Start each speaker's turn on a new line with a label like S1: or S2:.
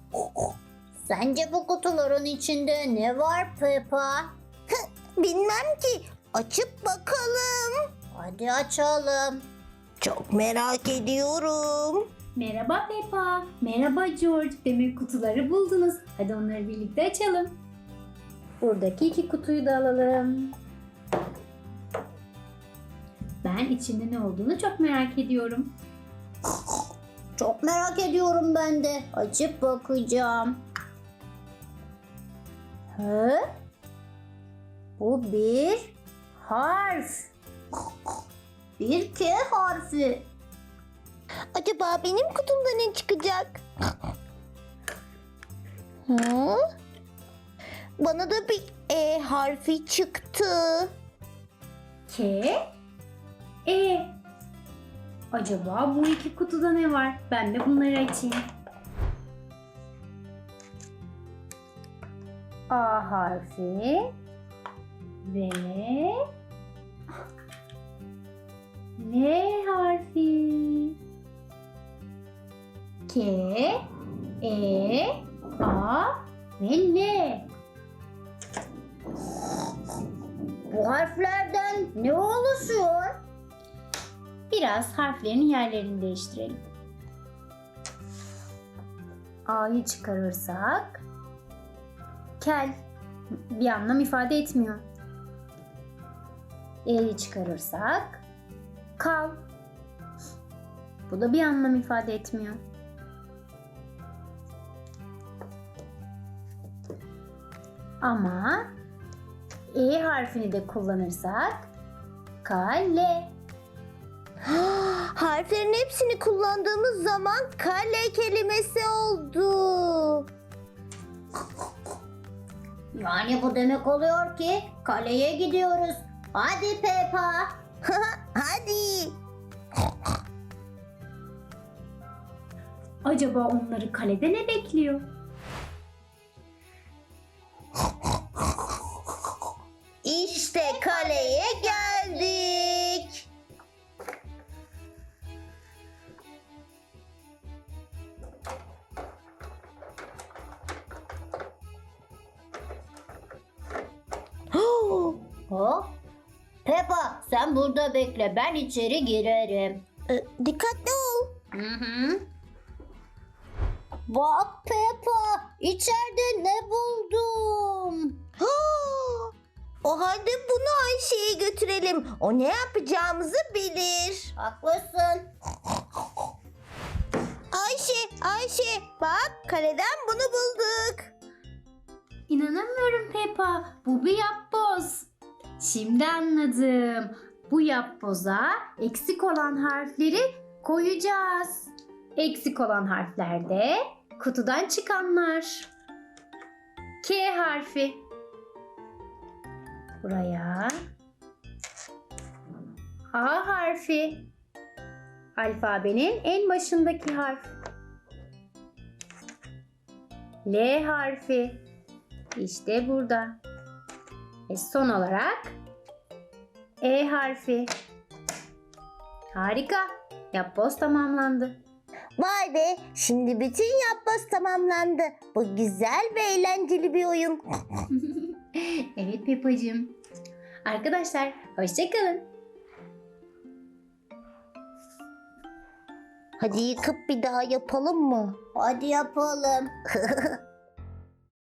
S1: Sence bu kutuların içinde ne var Peppa?
S2: Bilmem ki. Açıp bakalım.
S1: Hadi açalım.
S2: Çok merak ediyorum.
S3: Merhaba Peppa. Merhaba George. Demek kutuları buldunuz. Hadi onları birlikte açalım. Buradaki 2 kutuyu da alalım. Ben içinde ne olduğunu çok merak ediyorum.
S1: Çok merak ediyorum ben de. Açıp bakacağım. Hı? Bu bir harf. Bir K harfi.
S2: Acaba benim kutumda ne çıkacak? Hı? Bana da bir E harfi çıktı.
S3: K, E. Acaba bu 2 kutuda ne var? Ben de bunları açayım. A harfi ve L harfi. K, E, A ve L.
S1: Bu harflerden ne oluşuyor?
S3: Biraz harflerin yerlerini değiştirelim. A'yı çıkarırsak kel, bir anlam ifade etmiyor. E'yi çıkarırsak kal, bu da bir anlam ifade etmiyor. Ama E harfini de kullanırsak kale.
S2: Harflerin hepsini kullandığımız zaman kale kelimesi oldu.
S1: Yani bu demek oluyor ki kaleye gidiyoruz. Hadi Peppa.
S2: Hadi.
S3: Acaba onları kalede ne bekliyor?
S2: İşte kaleye geldik.
S1: Hop. Peppa sen burada bekle, ben içeri girerim.
S2: Dikkatli ol.
S1: Hı hı. Bak Peppa, içeride ne buldum?
S2: O halde bunu Ayşe'ye götürelim. O ne yapacağımızı bilir.
S1: Haklısın.
S2: Ayşe, bak kaleden bunu bulduk.
S3: İnanamıyorum Peppa. Bu bir yapboz. Şimdi anladım. Bu yapboza eksik olan harfleri koyacağız. Eksik olan harfler de kutudan çıkanlar. K harfi. Buraya. A harfi. Alfabenin en başındaki harf. L harfi. İşte burada. Ve son olarak E harfi. Harika. Yapboz tamamlandı.
S2: Vay be, şimdi bütün yapboz tamamlandı. Bu güzel ve eğlenceli bir oyun.
S3: Evet Peppa'cığım. Arkadaşlar hoşça kalın.
S2: Hadi yıkıp bir daha yapalım mı?
S1: Hadi yapalım.